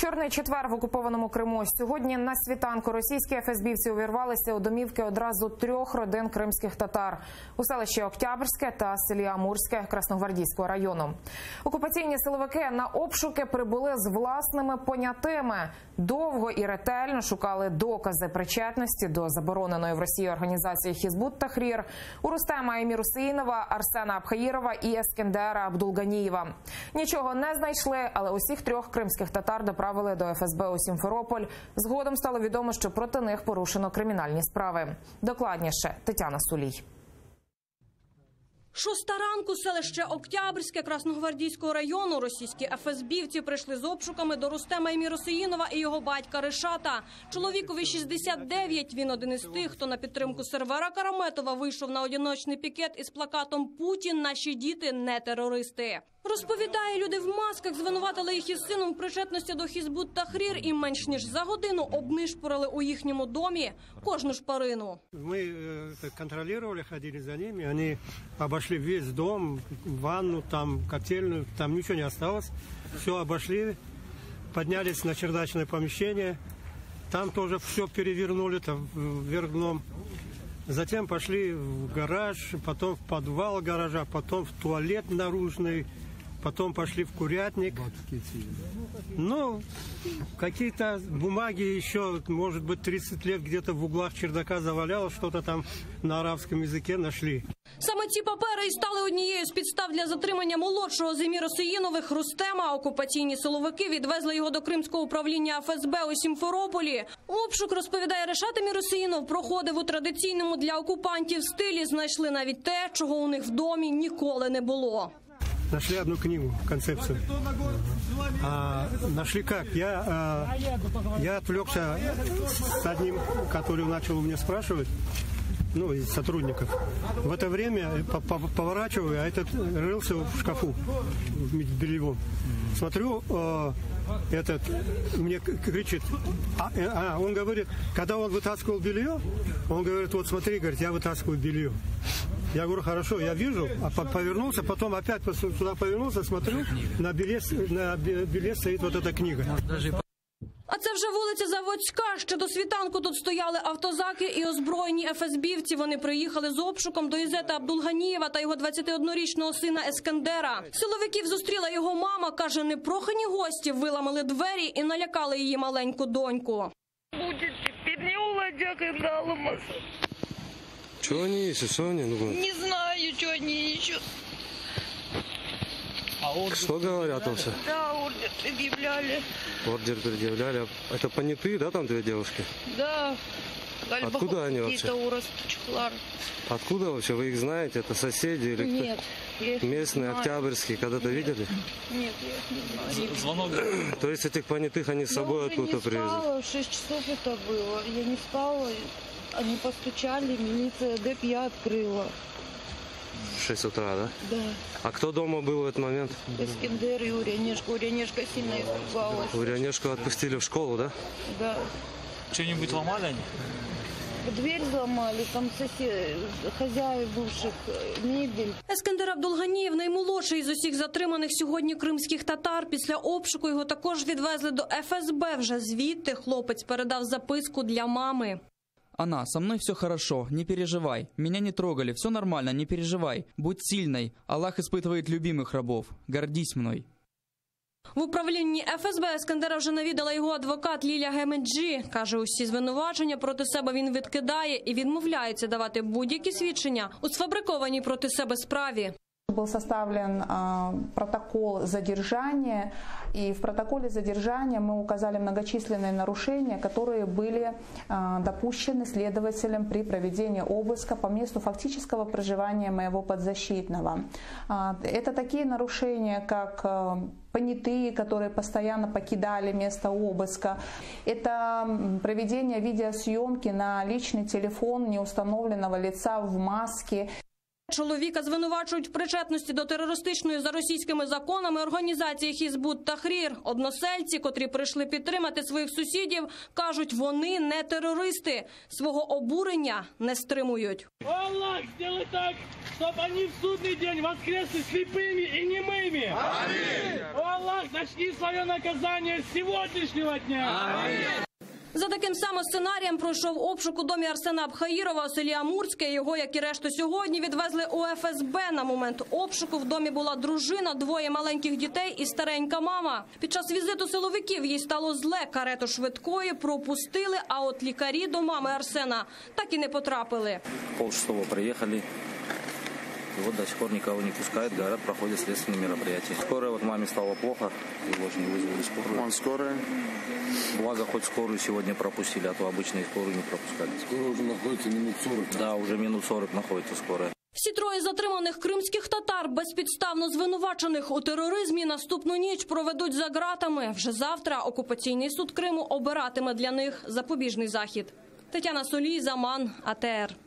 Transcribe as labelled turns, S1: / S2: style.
S1: Чорний четвер в окупованому Криму. Сьогодні на світанку російські ФСБівці увірвалися у домівки одразу 3 родин кримських татар у селищі Октябрське та селі Амурське Красногвардійського району. Окупаційні силовики на обшуки прибули з власними понятими. Довго і ретельно шукали докази причетності до забороненої в Росії організації Хізбут Тахрір у Рустема Емір-Усеїнова, Арсена Абхаїрова і Ескендера Абдулганієва. Нічого не знайшли, але усіх 3 кримських татар доправили до ФСБ у Сімферополь. Згодом стало відомо, що проти них порушено кримінальні справи. Докладніше Тетяна Сулій.
S2: 6 ранку, селище Октябрське Красногвардійського району. Російські ФСБівці прийшли з обшуками до Рустема Емір-Усеїнова і його батька Решата. Чоловікові 69, він один із тих, хто на підтримку Сервера Караметова вийшов на одиночний пікет із плакатом «Путін, наші діти, не терористи». Розповідає, люди в масках звинуватили їх із сином в причетності до Хізбут Тахрір і менш ніж за годину обнишпорили у їхньому домі кожну шпарину.
S3: Ми контролювали, ходили за ними, вони обійшли весь дом, ванну, там котельную, там нічого не осталось. Все обошли, піднялись на чердачне помещение, там тоже все перевернули, там вверх дном. Затем пошли в гараж, потом в подвал гаража, потом в туалет наружный, потом пошли в курятник. Ну, какие-то бумаги еще, может быть, 30 лет где-то в углах чердака завалялось, что-то там на арабском языке нашли.
S2: Саме ці папери і стали однією з підстав для затримання молодшого з Емір-Усеїнових Рустема. Окупаційні силовики відвезли його до Кримського управління ФСБ у Сімферополі. Обшук, розповідає Решат Емір-Усеїнов, проходив у традиційному для окупантів стилі. Знайшли навіть те, чого у них в домі ніколи не було.
S3: Нашли одну книгу, концепцию. Нашли как? Я отвлекся с одним, который начал у меня спрашивать, ну, из сотрудников. В это время поворачиваю, а этот рылся в шкафу, в бельевом. Смотрю, этот мне кричит, он говорит, когда он вытаскивал белье, он говорит, вот смотри, говорит, я вытаскиваю белье. Я говорю, хорошо, я вижу, а повернулся, потом опять сюда повернулся, смотрю, на белье стоит вот эта книга.
S2: А це вже вулиця Заводська. Ще до світанку тут стояли автозаки і озброєні ФСБівці. Вони приїхали з обшуком до Ізета Абдулганієва та його 21-річного сина Ескендера. Силовиків зустріла його мама. Каже, непрохані гості виламали двері і налякали її маленьку доньку.
S4: Будет теперь не уладя, когда ломаться.
S5: Что они ищут, Соня?
S4: Не знаю, что они ищут.
S5: Что говорят вообще?
S4: Да, ордер предъявляли.
S5: Ордер предъявляли. Это понятые, да, там 2 девушки?
S4: Да.
S5: Откуда они вообще?
S4: Чехлар.
S5: Откуда вообще? Вы их знаете? Это соседи или кто?
S4: Нет. Я их
S5: Местные,
S4: не знаю.
S5: октябрьские, когда-то видели?
S4: Нет, я их не знаю.
S5: Звонок. То есть этих понятых они с собой откуда-то привезли?
S4: Я не спала, в 6 часов это было. Я не спала, они постучали, милиция ГЭП открыла.
S5: В 6 утра, да?
S4: Да.
S5: А кто дома был в этот момент?
S4: Эскендер и Урянешка. Урянешка сильно испугалась.
S5: Урянешку отпустили в школу, да?
S4: Да.
S6: Что-нибудь ломали они?
S4: Дверь взломали, там хозяев бывших, мебель.
S2: Ескендер Абдулганієв – наймолодший із усіх затриманих сьогодні кримських татар. Після обшуку його також відвезли до ФСБ. Вже звідти хлопець передав записку для мами.
S7: Она, со мной все хорошо, не переживай. Меня не трогали, все нормально, не переживай. Будь сильной, Аллах испытывает любимых рабов. Гордись мной.
S2: В управлінні ФСБ Ескендера вже навідала його адвокат Ліля Гемеджі. Каже, усі звинувачення проти себе він відкидає і відмовляється давати будь-які свідчення у сфабрикованій проти себе справі.
S8: Был составлен протокол задержания, и в протоколе задержания мы указали многочисленные нарушения, которые были допущены следователем при проведении обыска по месту фактического проживания моего подзащитного. Это такие нарушения, как понятые, которые постоянно покидали место обыска. Это проведение видеосъемки на личный телефон неустановленного лица в маске.
S2: Чоловіка звинувачують в причетності до терористичної за російськими законами організації Хізбут Тахрір. Односельці, котрі прийшли підтримати своїх сусідів, кажуть, вони не терористи. Свого обурення не стримують.
S9: Аллах, сделай так, чтобы они в судный день воскресли слепыми и немыми. Аминь. Аллах, начни свое наказание с сегодняшнего дня. Аминь.
S2: За таким самим сценарієм пройшов обшук у домі Арсена Абхаїрова у селі Амурське. Його, як і решту, сьогодні відвезли у ФСБ. На момент обшуку в домі була дружина, двоє маленьких дітей і старенька мама. Під час візиту силовиків їй стало зле. Карету швидкої пропустили, а от лікарі до мами Арсена так і не потрапили.
S10: 5:30 приехали. И вот до сих пор никого не пускают, говорят, проходят следственные мероприятия. Скорая, вот маме стало плохо, его же не вызвали скорую.
S11: Он скорая?
S10: Благо, хоть скорую сегодня пропустили, а то обычные скорую не пропускали.
S11: Скорая уже находится минут 40.
S10: Да, уже минут 40 находится скорая.
S2: Всі троє затриманих кримських татар, безпідставно звинувачених у тероризмі, наступну ніч проведуть за ґратами. Вже завтра окупаційний суд Криму обиратиме для них запобіжний захід. Тетяна Солій, Заман, АТР.